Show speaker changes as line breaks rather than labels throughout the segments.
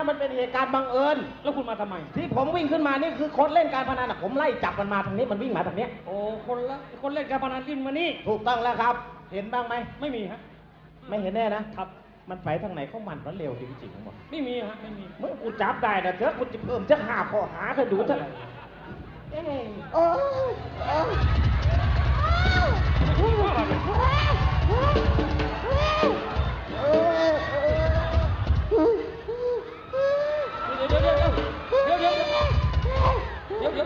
มันเป็นเหตุการณ์บังเอิญ
แล้วคุณมาทำไม
ที่ผมวิ่งขึ้นมานี่คือคนเล่นการพนันผมไล่จับมันมาทางนี้มันวิ่งมาทางนี้
โอ้คนเล่นการพนันวิ่งมานี่
ถูกต้องแล้วครับเห็นบ้างไหม
ไม่มีฮะ
ไม่เห็นแน่นะครับมันไปทางไหนของมันเร็วจริงๆทั้งหมด
ไม่มีฮะไม่มี
เมื่อกูจับได้นะเถอะกูจะเพิ่มจะ5 ข้อหาเธอดูเถอะ
โอ้
เดี๋ยว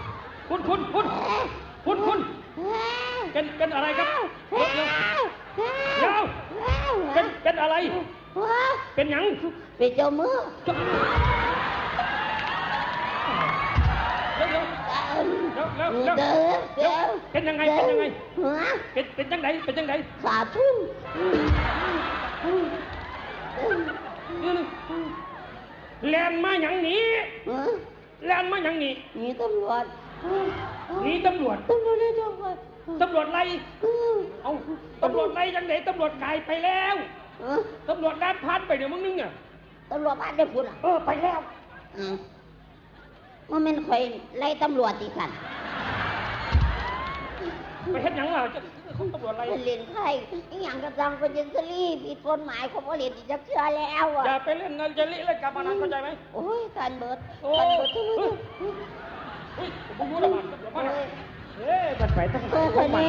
คุณเป็นอะไรครับเดี๋ยวเป็นอะไรเป็นหยัง
เป็นเจ้ามือ
เป็นยังไงเป็นจังได
ขาดทุน
แลนมาหยังหนีแลนมาหยังหนี
หนีตำรวจ
ไล่เอาตำรวจไล่จังไหนตำรวจไกลไปแล้วตำรวจด้านพันไปเดี๋ยวมึงนึงอ่ะ
ตำรวจพันได้พูด
ไปแล้ว
ว่ามันคอยไล่ตำรวจอีกกัน
ไปเฮ็ดหยังล่ะตำรวจไล่
เล่นไพ่อย่างกระจังเป็นยินซรี่ผิดกฎหมายเขาเล่นอีกจะเชื่อแล้ว
อย่าไปเล่นเงินจะเล่นกับพนันเข้าใจไหม
โอ้ยการเบิด
ทุกคนผมรู้แล้วมัน
มันไปทางไหนของมัน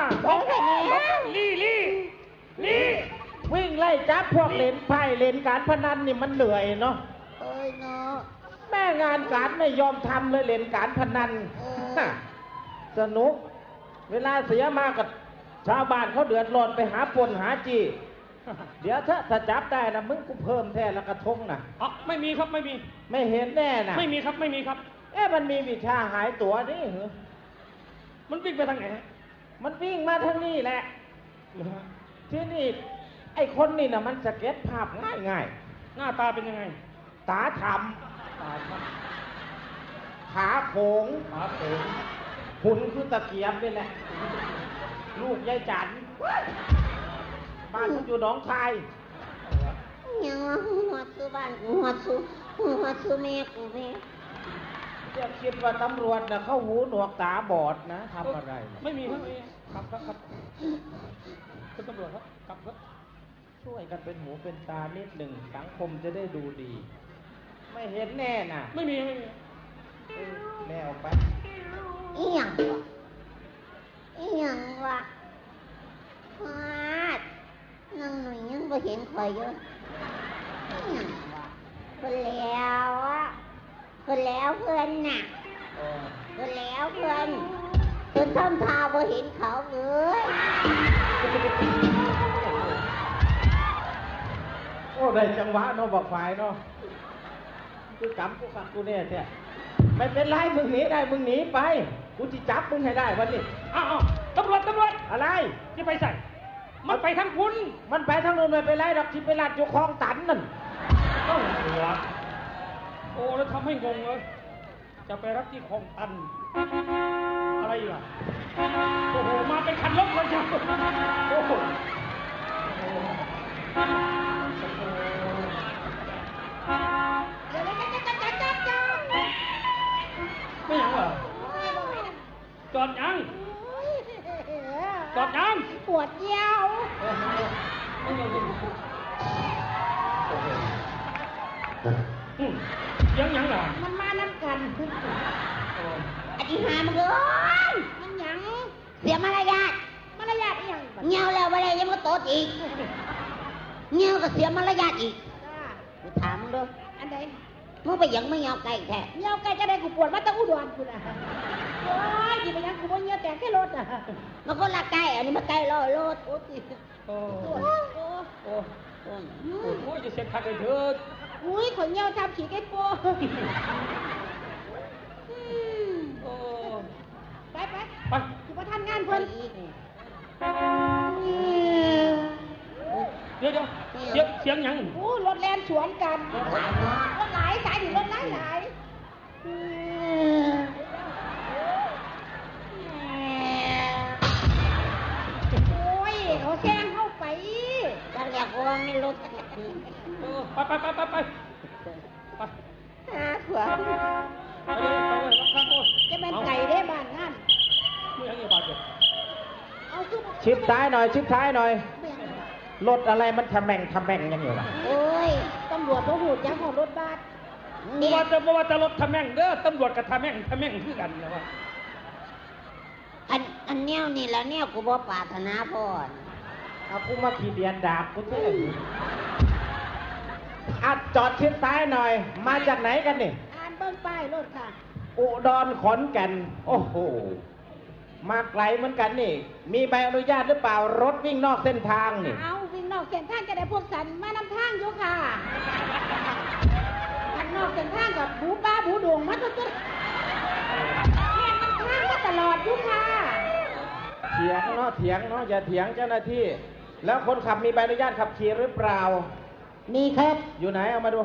ลี่
วิ่งไล่จับพวกเล่นไพ่เล่นการพนันนี่มันเหนื่อยเนาะ
เนาะ
แม่งานการไม่ยอมทำเลยเล่นการพนันสนุกเวลาเสียมากับชาวบ้านเขาเดือดร้อนไปหาปนหาจีเดี๋ยวถ้าจับได้นะมึงกูเพิ่มแท้ละกระทงนะ
ไม่มีครับ
ไม่เห็นแน่นะ
ไม่มีครับ
มันมีวิชาหายตัวนี่เหรอ
มันวิ่งไปทางไหน
มันวิ่งมาทางนี้แหละที่นี่ไอ้คนนี่นะมันสเก็ตภาพง่าย
หน้าตาเป็นยังไง
ตาทำขาโขงหุ่นคือตะเกียบนี่แหละลูกยายจันบ้านอยู่หนองคาย
ยังหัวซื้อบ้านหัวซื้อแม่กูแม่
จะคิดว่าตำรวจนะเขาหูหนวกตาบอดนะทำอะไร
ไม่มีครับคุณตำรวจครับ
ช่วยกันเป็นหูเป็นตานิดหนึ่งสังคมจะได้ดูดี ไม่เห็นแน่น่ะ
ไม่มี
แม่ออกไป
อีหยังวะฟาดนั่งหน่อยยังไม่เห็นใครเยอะอีหยังวะคนแล้วเพื่อนน่ะคนแล้วเพื่อนทำทาบ่เห็นเขาเลย
โอ้ได้จังหวะเนาะบอกฝ่ายเนาะกูจำกูขัดกูเนี่ยแท้ไม่เป็นไรมึงหนีได้มึงหนีไปกูจะจับมึงให้ได้วันนี้
ตำรวจ
อะไร
ที่ไปใส่มันไปทางคุณ
มันไปทางนู้นไม่เป็นไรหรอกที่ไปลาดอยู่คลองตันนั่น
ต้องหัวโอ้แล้วทำให้งงเลยจะไปรับที่คลองตันอะไรล่ะโอ้โหมาเป็นคันรถเลยจ้ะโอ้โหไม่ยังเหรอจอดยัง
ปวดเยี่ยว
ยังเหรอ
มันมาน้ำกันอธิหามึงเลยมันยังเสียมารยาทยังเงี้ยวแล้วอะไรยังมาโตอีกเงี้ยวก็เสียมารยาทอีกกูถามมึงด้วยอันใดมึงไปยังไม่เงี้ยวไก่แท้เงี้ยวไก่จะได้กูปวดมาตั้งอุดรกูนะโอ้ยยิ่งไปยังกูว่าเงี้ยวแต่แค่รถอ่ะมันก็ละไก่อันนี้มันไก่รอรถโอ้ย
โอ้ยจะเช็คทักเลยเถิด
อุ้ยขนเงี้ยวทำขี่ไก่โป้ไปคือว่าท่านงานเพิ่น
เดี๋ยวเสียงยัง
รถแล่นสวนกันรถหลายสายถึงรถหลายโอ้ยเขาแซงเข้าไปกันอยากว่าไม่รถ
ไป
ขวา
ไปเลยรับข้างโอ้ย
จะเป็นไก่ได้บ้านงาน
ไม่ยังไงบาดเจ็บ
เอาคือ
ชิดท้ายหน่อย ชิดท้ายหน่อย
เบี่ยง
รถอะไรมันทำแม่งยังอยู่ล่ะ
โอ้ยตำรวจบ่หูจักของรถบัส
บ่ว่าจะรถทำแม่งเด้อตำรวจกับทำแม่งคือกันนะว่า
อันแนวนี่แล้วแนวกูบ่ปรารถนาพ่อ
เอากูมาขี่เดียนดาบกูเท่อัดจอดชิดซ้ายหน่อย มาจากไหนกันนี่
อ่านเบิ่งป้ายรถค่ะ
อุดรขอนแก่น โอ้โห มาไกลเหมือนกันนี่ มีใบอนุญาตหรือเปล่ารถวิ่งนอกเส้นทางนี่
เอาวิ่งนอกเส้นทางจะได้พวกสันมานำทางอยู่ค่ะอันนอกเส้นทางกับบูป้าบูดวงมาทุกๆเนี่ยมันทางมาตลอดอยู่ค่ะ
เถียงเนาะอย่าเถียงเจ้าหน้าที่ แล้วคนขับมีใบอนุญาตขับขี่หรือเปล่า
มีครับ
อยู่ไหนเอามาดู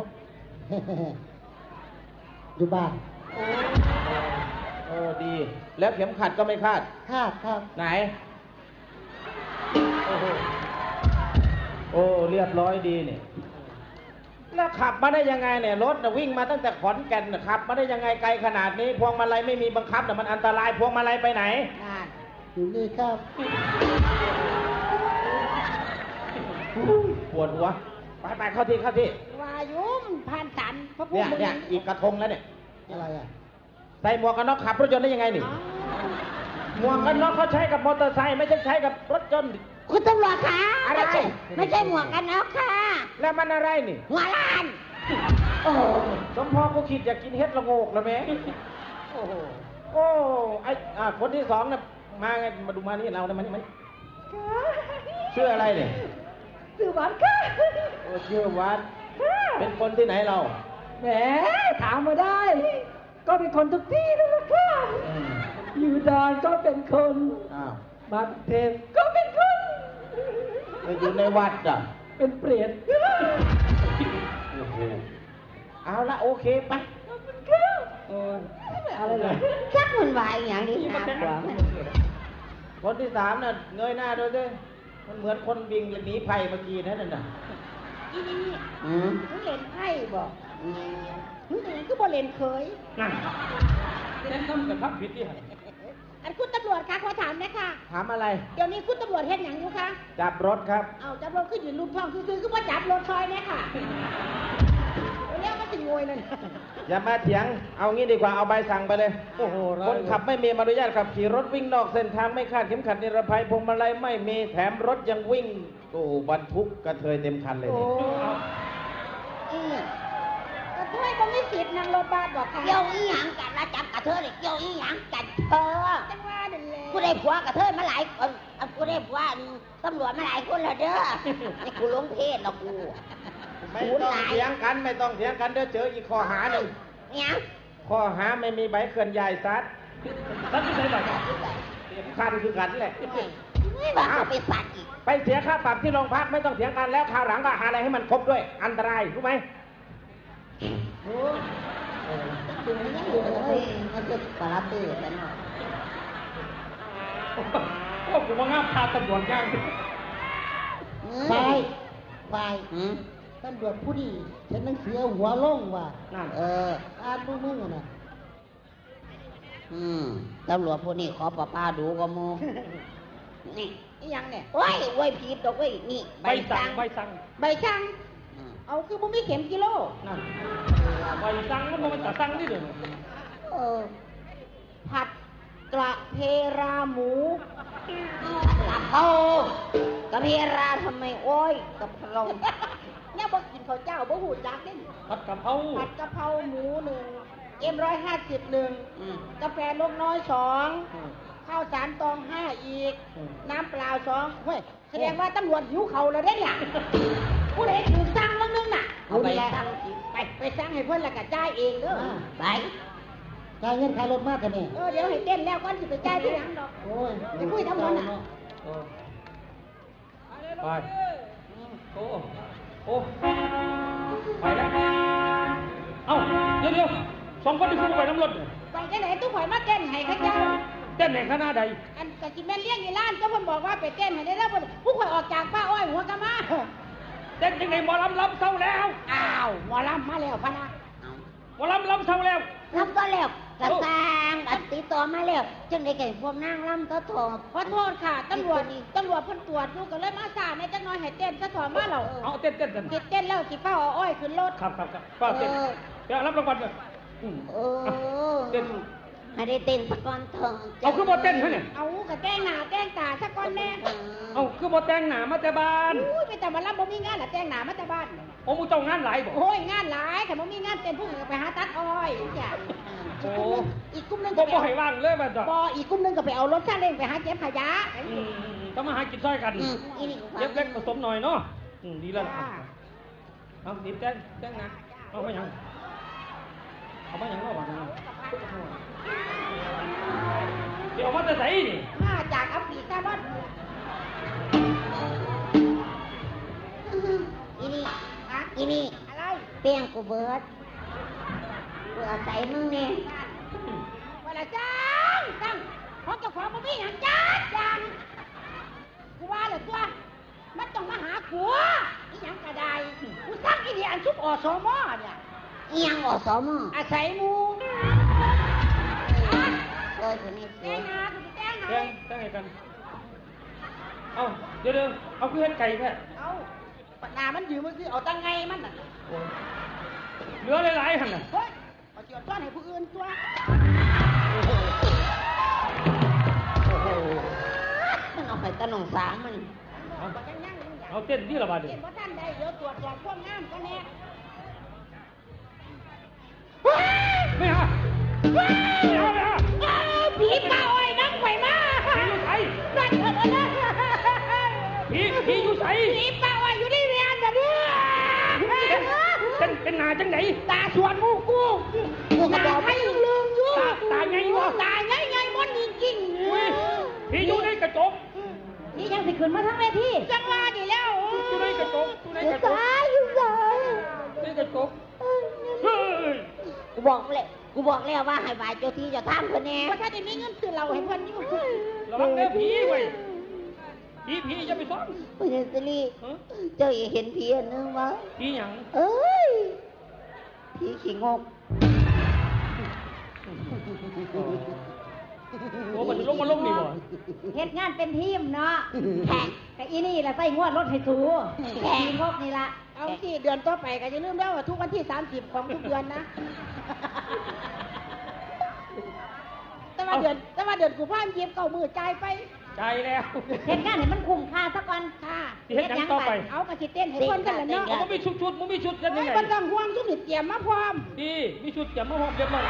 อยู่บ้าน
โอ้ดี แล้วเข็มขัดก็ไม่คาด
ครับ
ไหน โอ้โห โอ้เรียบร้อยดีนี่ แล้วขับมาได้ยังไงเนี่ยรถน่ะวิ่งมาตั้งแต่ขอนแก่นน่ะขับมาได้ยังไงไกลขนาดนี้ พวงมาลัยไม่มีบังคับแต่มันอันตรายพวงมาลัยไปไหน
อยู่นี่ครับ
ปวดหัว ไปเข้าที่
วายุมผ่านสันพระพุท
เนี่ย
ธรูป
อีกกระทงแล้วเนี่ย
อะไรอ่ะ
ใส่หมวกกันน็อกขับรถยนต์ได้ยังไงนี่ หมวกกันน็อกเขาใช้กับมอเตอร์ไซค์ไม่ใช่ใช้กับรถยนต์
คุณตำรวจคะ
อะไร
ไม่ใช่หมวกกันน็อกค่ะ
แล้วมันอะไรนี่
หัวล้าน โอ้โห
สมพอกูคิดอยากกินเฮ็ดละโงกแล้วแม่โอ้โห โอ้ คนที่สองน่ะมาไง มาดูมานี่เราเนี่ยมันชื่ออะไรเนี่ย
สื่อหวานค่ะ
โอ้ชื่อวัด เป็นคนที่ไหนเรา
แหมถามมาได้ ก็เป็นคนทุกที่นั่นแหละค่ะ อยู่ดอนก็เป็นคน
อ้าว
บางเทพก็เป็นคน
ไปอยู่ในวัดอ่ะ
เป็นเปรต
โอ้โห เอาละโอเคไป
ขอบคุณค่ะ
เออ
อะไรเลยชักมันวายอย่างนี้นะกว่า
คนที่สามน่ะเงยหน้าดูสิมันเหมือนคนวิ่งหนีภัยเมื่อกี้นั่นน่ะ
อีนี่มึงเล่นไพ่บอกมึงก็บ่เล่นเคย
นั่นแนะนำกับทับผิดที่ไหน
อันคุณตำรวจคะขอถามนะคะ
ถามอะไร
เดี๋ยวนี้คุณตำรวจเฮ็ดหยังอยู่คะ
จับรถครับ
เอาจับรถขึ้นยืนรูปท้องคือว่าจับรถซอยเนี่ยค่ะเรียกว่าสิงวยนั่น
อย่ามาเถียง เอางี้ดีกว่า เอาใบสั่งไปเลย
โอ้โห
คนขับไม่มีใบอนุญาตขับขี่รถวิ่งนอกเส้นทางไม่คาดเข็มขัดนิรภัยพวงมาลัยไม่มีแถมรถยังวิ่งโอ้บรรทุกกระเทยเต็มคันเลย
โอ้
นี่
กระเทยบ่มีสิทธิ์นั่งรถบัสบอกค่ะเกี่ยวอีหยังกันละจับกระเทยเกี่ยวอีหยังกันจังว่านั่นแหละกูได้ผัวกระเทยมาหลายคนกูได้ผัวตำรวจมาหลายคนแล้วเด้อนี่กูหลงเพศแล้วกู
ไม่ต้องเถียงกันไม่ต้องเถียงกันเดี๋ยวเจออีกข้อหาหนึ่ง
เนี่ย
ข้อหาไม่มีใบเคลื่อนย้ายซัด
ทับที่ไหนบ้าง
เต็มคันคือกันแหละ
ไม่ว่าเขาไปสัตว์อีก
ไปเสียค่าปรับที่โรงพักไม่ต้องเถียงกันแล้วคราวหลังก็หาอะไรให้มันครบด้วย อันตรายรู้ไหม
มันจะปาราตี้แต่หน่อย
โอ้กูมางามพาตำรวจย่าง
ไปตำรวจผู้ดีฉันนั่งเสือหัวล่งว่ะ
นั่น
อ่านดูมึงอะนะ
ตำรวจพวกนี้ขอป้าดูก็มู นี่ยังเนี่ยโอ้ยโอ้ยผิดดอกเว้ยนี่
ใบสั่ง
ใบสั่งเอาคือบ่มีเข็มกิโล
นั่นใบสั่งมันจะสั่งนี่เด้อ
ผัดกระเพราหมูกะเพรากระเพราทำไมโอ้ยกะเพราเนี่ยบอกกินข้าวเจ้าบ่หูจักเด้
ผัดกะเพรา
ผัดกะเพราหมู1 M150 1กาแฟลูกน้อย2ข้าวสารตอง5อีก น้ำเปล่า2เฮ้ยแสดงว่าตำรวจหิวเขาแล้วเด้เนี่ยผู้ใดถูกสั่งแล้วนึงน่ะเอาไปสั่งไปสั่งให้เพิ่นแล้วก็จ่ายเองเด้อไป
จ่ายเงินค่ารถมากกันนี่
เดี๋ยวให้เต้นแล้วก่อนสิไปจ่ายที่หลังดอก
โอ้ย
ไปคุยทำมันน่ะ
ไปโอ้โอ้ไปแล้วเอ้าเดี๋ยวสองคนที่คู่ไปน้ำรถ
ไปจังไหนตู้ข่อยมาเต้นให้ข้าเจ้า
เต้นในคณะใด
อันกะสิแม่นเลี้ยงอีหล้านเจ้าเพิ่นบอกว่าไปเต้นให้ได้แล้วเพิ่นผู้ข่อยออกจากป้าอ้อยหัวกะมา
เต้นยังไงหมอลำเศร้าแล้ว
อ้าวหมอลำมาแล้วพะนะ
ว่าลำเท่าแล้ว
รับก็แล้วกระสร้างอันติดต่อมาแล้วจังได้ไก่พวกนางล่ำก็ทอง
ขอโทษค่ะตำรวจเพิ่นตรวจดูก็เลยมาสาในจักหน่อยให้เต้นซะถอนมาแล้ว
เอาเต้นกัน
เต้นแล้วสิเฝ้าเอาอ้อยขึ้นรถ
ครับป้าเต้นเดี๋ยวรับรางวัลเลย
เออ
เต้น
ให้ได้เต้นสักก่อนเถอะ
เอาคือบ่เต้นเขาเนี่ย
เอากระแต้งหน้าแต้งตาซะก่อนแน่
เอาคือบ่แต่งหน้ามาแต่บ้าน
อุ้ยไปแต่มารับบ่มีงานละแต้งหน้ามาแต่บ้าน
โอ้มูเจ้างานหลายบ่
โอ้ยงานหลายค่ะบ่มีงานเต้นพวกไปหาตัดอ้อยจ้ะ
โอ้
อีกกลุ่มหนึง
บ่
ก็
ให้ว่างเลยมันจ้ะ
บ่อีกกลุ่มหนึงก็ไปเอารถซาเล้งไปหาเก็บขยะ
ต้องมาหากินซ้อยกัน
อีนี่ก็ฟัง
เล็กๆผสมหน่อยเนาะดีแล้วเอาดีแต่งนะเอาไปยังเอาไปยังเนาะว่าเดี๋ยวมาแต่ไหนนี่
มาจากอัฟริกาบ้าน
อีนี่
ฮะ
อีนี่
อะไร
เปียงกูเบิดกูอาศัยมึงเนี่ย
ว่าละจังของเจ้าของบ่มีหยังจัดจังกูว่าเลยตัวมันต้องมาหากูอีหยังก็ได้กูสั่งอีนี่อันชุบอสมเนี่ย
อีหยังอสม
อาศัยหมู
เลยคนนี้เสี
แจ้
ย
งนาคุณแจ้งนา
แต่งให้กันเอาเดี๋ยวเอาคือเห็นไก่แท้
เอาปนามันยืมมันคือเอาตังไงมันน่ะ
เหลือหลายๆหั่นน่ะ
เฮ้ยเอาเจียวต้อนให้ผู้อื่นตัว
มันเอาไปตะหนองสางมัน
บ่จังยังยัง
เอาเต้นที่ละบาดดิ
เห็นบ่ท่านใดเดี๋ยวตรวจสอบความงามก็แน่
ไม่ฮะไม่ฮะ
ผีป่าอ้อยน้ำไข่มา
ผีอยู่ไส
นั่นเถอะนะ
ผีอยู่ไส
ผีป่าอ้อยอยู่ในเรียนเดี๋ยวนี้
เป็นหนาจังไหน
ตาสวนมูกูตาให้ลืมอยู่
ตาไงวะ
ตาไงมันจริงๆ
ผีอยู่ในกระจก
นี่ยังสิขึ้นมาทั้งเวทีจังว่าดีแล้ว
อยู่ในกระจกอยู่ในกระจก
อยู่ไหน
ในกระจกเฮ้ย
กูบอกแล้วว่าให้บายเจ้าที่เจ้าทางคนแน่
ว่าถ้าจะมีเงินซื้อเราให้เพิ่นอยู่
ระวังเด้อผีเว้ยผีอย่าไปซ่อน
พญาสิริเจ้าอย่าเห็นผีอันนึงวะ
ผีหยัง
เอ้ยผีขี้งก
โอ้มันลงนี่บ่
เฮ็ดงานเป็นทีมเนาะแขกแต่อีนี่ละใส่งวดรถให้สูแขกงบนี่ละเอาที่เดือนต่อไปก็อย่าลืมแล้วว่าทุกวันที่30ของทุกเดือนนะแต่ว่าเดือนกุมภาพันธ์เก็บเก่ามือจ่ายไป
ใจแล้ว
เฮ็ดงานให้มันคุ้มค่าซะก่อนค่ะ
สิเฮ็ดหยังต่อไป
เอากระสิเต้นให้เพิ่นกันละเนาะ
มันมีชุดมันมีชุดกันยังไง
บ่ต้องห่วงทุกนี่เตรียมมาพร้อม
ดีมีชุดจะมาหอมเรียบร้อย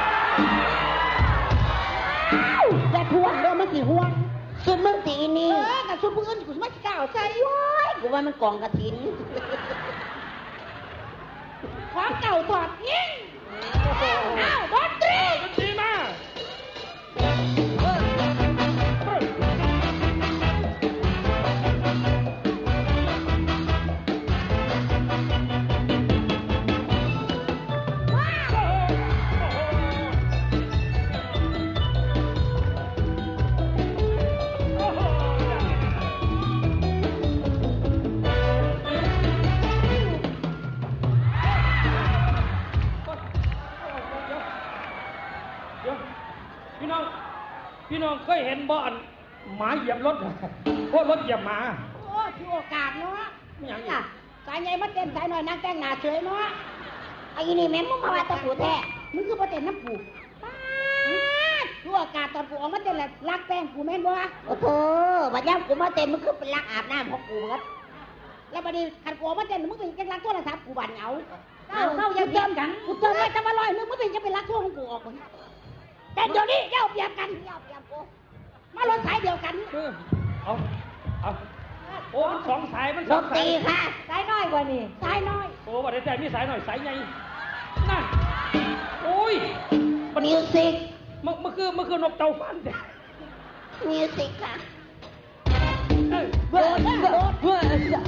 แต่ห่วงเด้อมันสิห่วง
สุดมึงตีนี่
กับชุดผู้อื่นกูสิมาสิกล้าเอาใส่
กูว่ามันกองกระถิน
ของเก่าถอดทิ้งอ้าวดนตรี
มันดีมาก เดี๋ยวพี่น้องเคยเห็นบ่อนหมาเหยียบรถพวกรถเหยียบหมา
โอ้ถือโอกาสเนาะ
ไม่หยังอี
ล่ะ
ก
สายใหญ่มาเต้นสายหน่อยนางแต่งหน้าเฉยเนาะ
ไอ้นี่แม่งมึงมาว่าตะปูแท้
มึงคือมาเต้นน้ำปูป๊าดถือโอกาสตอนกูออกมาเต้นแหละรักแป้งกูแม่นบ่
โอ้โหบัดย่ำกูมาเต็มมึงคือเป็นลักอาบน้ำของกูเบิด
แล้วบัดนี้คันกูออกมาเต้นมึงเป็นจังรักโทรศัพท์กูบันเอาเข้ายังเติมกันกูเติมไว้จะมา100นึงมึงเป็นจะเป็นรักโทรของกูออกคนแต่เดี๋ยวนี้เย้าเปรียบกันเย้าเปรียบกูมารถสายเดียวกัน
เอาโอ้มันสองสายมัน
ด
สอง
น
สา
ตรี
ย
ค่ะ
สายน้อยกว่านี่สายน้อย
โอ้บัดนี้ใจมีสายหน่อยสายใหญ่นั่นโอ้ย
มิวสิก
มันคือนกเต่าฟันแต่
มิวสิกค่ะ
โดดโดด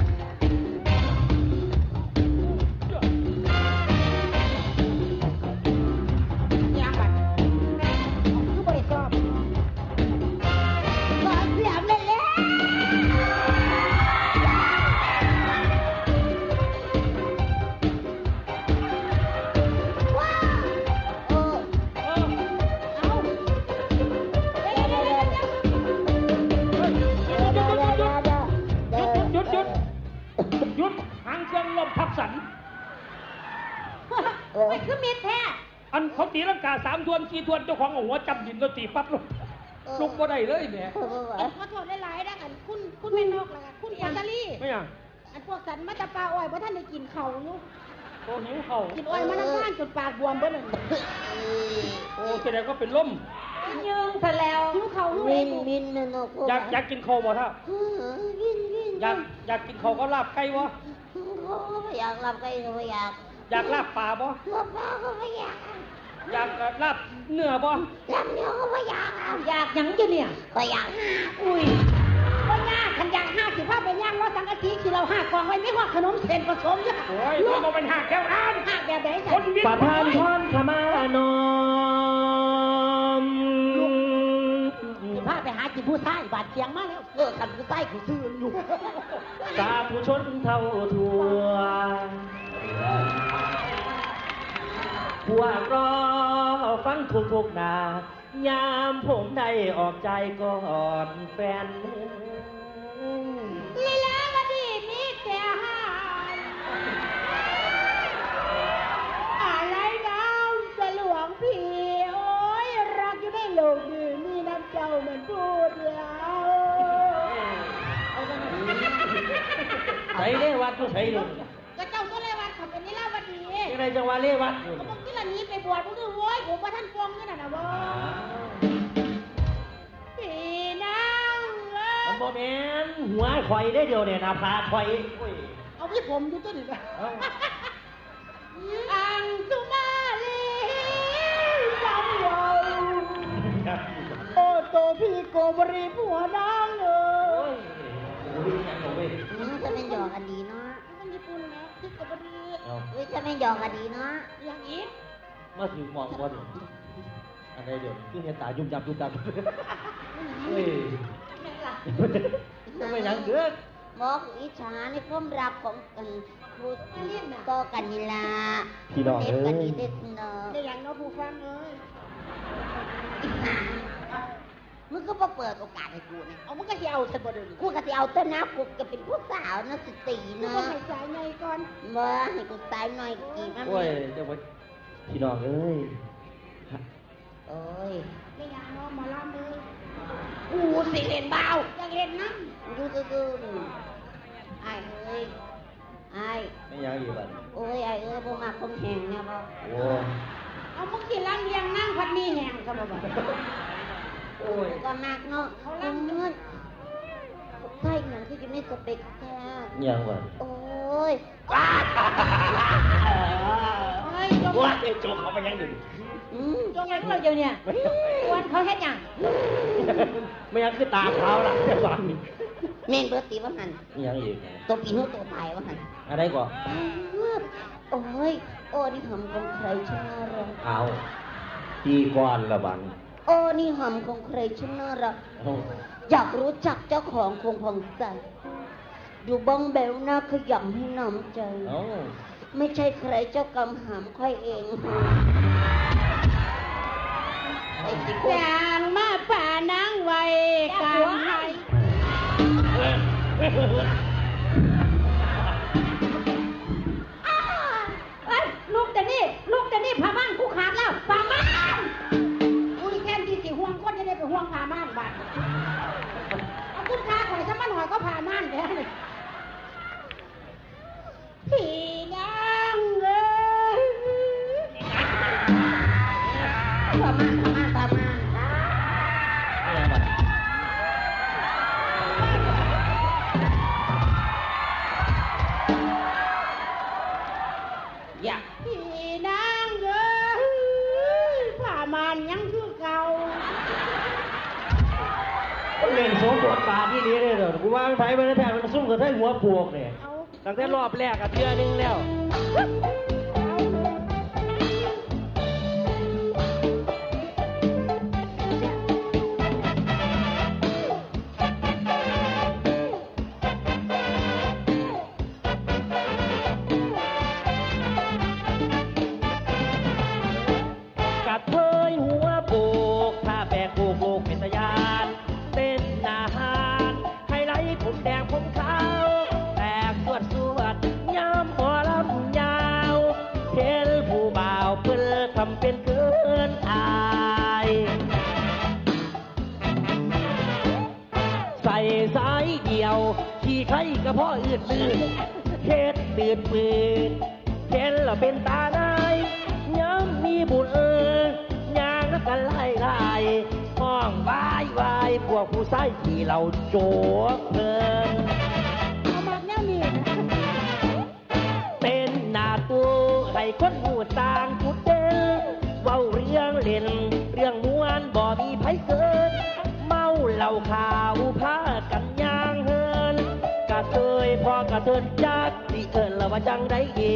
ยางบัดคือบริสอบ
ขอเสียงเลยแล้วว้าว
ไม่คือมิดแท้
อันเขาตีลังกา3 ทวน 4 ทวนเจ้าของเอาหัวจับดินแล้วตีปั๊บลุกบ่ได้เลยแหม
ขอโทษหลายๆนะกันคุณแม่นกแล้วกันคุณปาตาลี
ไม่ยัง
อันพวกสันมาตะปลาอ้อยเพราะท่านได้กินเขาอยู่
โอ้หิวเข่า
กินอ้อยมานั่งข้างจนปากบวมเบิ้ล
โอ้แสดงว่าเป็นลม
ยืงซะแล้วหิวเขาลูก
มิ
เอง
นมินนะนก
อยากกินข้าวบ่ท่า
วินวิน
อยากกินข้าวก็ลาบไก่บ่
อยากรับใครก็ไม่อยาก
อยากลาบปลาบ่
รับปลาก็ไม่อยาก
อยากลาบเนื้อบ่
รับเนื้อก็ไม่อยาก
อยากหยังจะเนี่ย
ก็อยาก
อุ้ยว่ายากขันอยากห้าสิบห้าไปย่างว่าสังกะสีคือเราห้ากองไว้ไม่ว่าขนมเส้นผสมจ้ะ
โอ้ยมันบ่เป็นหักแก้วร้าน
ห้าแบบไหน
ค
จ้ะ
นวิท
ประ
ย์
ธานพรขมานอม
สิบห้าไปหาจิบผู้ชายบาดเจียงมาแล้วเออกันผู้ชายคือซื่ออยู่
สาธุชนเท่าทั่วพวกรอฟังทุกๆนายามผมได้ออกใจก่อนแฟน
ลีลาวดีมีแต่หายอะไรน้ำสลวงพี่โอ้ยรักอยู่ในโลกนี้มีน้ำเจ้ามันพูดแล้ว
ใส่เล่วัดก็ใส่เลย
ก็เจ้าก็เลยว่าทำเป็นลีลาวดี
ยังไงจังหวะเล่วัดอยู่
ก็มึงที่ละนี้ไปบวชมึงคือโว้ยผมว่าท่านฟองนี่น่ะนะเว้ยพี่นางเอ้
มัน
ย
โมเมนหัวข่อยได้เดียวเนี่ยนะพาข่อยโอ้ย
เอาพี่ผมอยู่ตัวนี้นะ
เอ้า
อังสุมาลีจำยาวโอ้โตพี่โกบรีผัวนางเอ้
โอ้
ย
ยโอ้ยยังเอาเว้ย
จะเป็นหยอกกันดีเนาะ
มันญี่ปุ่นนะพี่โกบรี
เอา
จะเป็นหยอกกันดีเนาะ
อย่างอีก
มาถึงมองบอลอันใดเดี๋ยวคือเห็นตายุ่มยับยุ่มยับเฮ้ย
แม่ล่ะ
ไม่ยังเกิด
บอกอิจฉาในความรักของกันพูดก็กันนี่ละ
พี่น้อง
เด็
เอ้
กกัน
ย
นี่เด็กเนาะ
ได้อย่างเน้องผู้ฟังเอ้ย
มึงก็มาเปิดโอกาสให้กูเนี่ย
เอามึงก็สิเอาซะบ่เดี๋ยวนี้
กูก็จะเอาต้นน้ำกูก็เป็นผู้สาวนะสติ
กู
เนาะ
ก็ให้สายไงก่อน
บ่ให้กูตายหน่อยกี่มัน
โอ้ยเจ้าพี่น้องเอ้ย
โอ้ย
ได้อย่างเน้องหมอลำเลย
กูสิเล่นเบา
อยากเล่นน้
ดูดูไอ้เอ้ยไอ้
ไม่ยังอีกบัด
โอ้ยไอ้เอ้ยบ่มาคมแหงเนี่ยบ่
โอ้
ำเอามึงสิล้างเลียงนั่งพัดมีแห้งซะบ่บ่
โอ้ย
กูก็มากเนาะเขาลังเงินใช่หนังที่จะไม่สเปกแท้
ยังบัด
โอ้ย
เฮ้ยจง
ว่าเจ้าโจเขาไปยังหนึ่ง
จงยังเราเดี๋ยวเนี่ยวันเขาเฮ็ดหยัง
ไม่ยังคือตาเขาล่ะเจ้าบ้าน
แม่นเบิดตีว่าหัน
ยังอีก
ตัวปีนู้ตัวตายว่าหัน
อะไรก่อน
โอ้ยโอ้นี่หำของใครช่างน่ารัก
เอาปีก่อนละบัง
โอ้นี่หำของใครช่างน่ารัก
เอา
อยากรู้จักเจ้าของคงผ่องใสดูบ้องแบวหน้าขยำให้น้ำใจ
เอา
ไม่ใช่ใครเจ้ากำหำค่อยเองไอ้สิโก้
จางมาป่านางไว้กันให้เอ้ยลูกแต่นี่ผ้าม่านกูขาดแล้วผ้าม่านอุ้ยแค่ที่สิห่วงคนจะได้ไปห่วงผ้าม่านบาดเอาคุณค่าข่อยซะมาหน่อยก็ผ้าม่านแท้เลยพี่นางเอ้ย
ประมาณ
ไม่ยังบัด
อยาก
พี่นางเอ้ยผ้าม่านยังคือเก่า
เล่นโสมบทบาทที่นี้เลยเหรอกูว่ามันไผไปในแท้มันซุ่มกับไทยหัวปวกเนี่ย
เอา
ตั้งแต่รอบแรกอะเทื่อนึงแล้ว กัดเทยหัวโบกถ้าแบกโบกโบกเป็นตะยานเต้นอาหารไฮไลท์ผมแดงผมขาวแตกสวดย้ำหัวลำยาวเทลผู้บ่า
ำเป็นเกินอายใส่สายเดียวขี่ไข่กระเพาะอืดลื่นเฮ็ดตืดปืนเห็นแล้วเป็นตาได้ย้ำมีบุญยางนักกันไล่ไล่ห้องวายวายพวกผู้ชายที่เราโจกเพลิน
เอามากแนวนี้
เป็นหน้าตัวให้คนหูต่างจุดเด่นเว้าเรื่องเล่นเรื่องม้วนบ่มีไผเกิน เมาเหล้าขาวพากันย่างเฮินกะเทยพอกระเทินจักสิเอิญละว่าจังได้ดี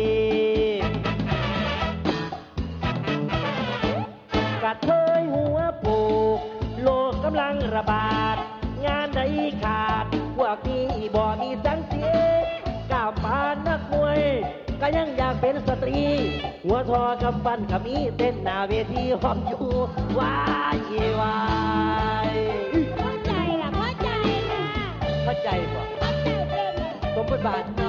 กะเทยหัวโปกโลกกำลังระบาด งานใดขาดพวกนี้บ่มีสังเสียก้าวปานนักมวยก็ยังอยากเป็นสตรี หัวทอกับฟันขมีเต้นหน้าเวทีหอมอยู่วายวาย
เข้าใจล่ะเข้าใจล่ะ
เข้าใจป่ะ
เข้าใจเป็น
สมบทบาท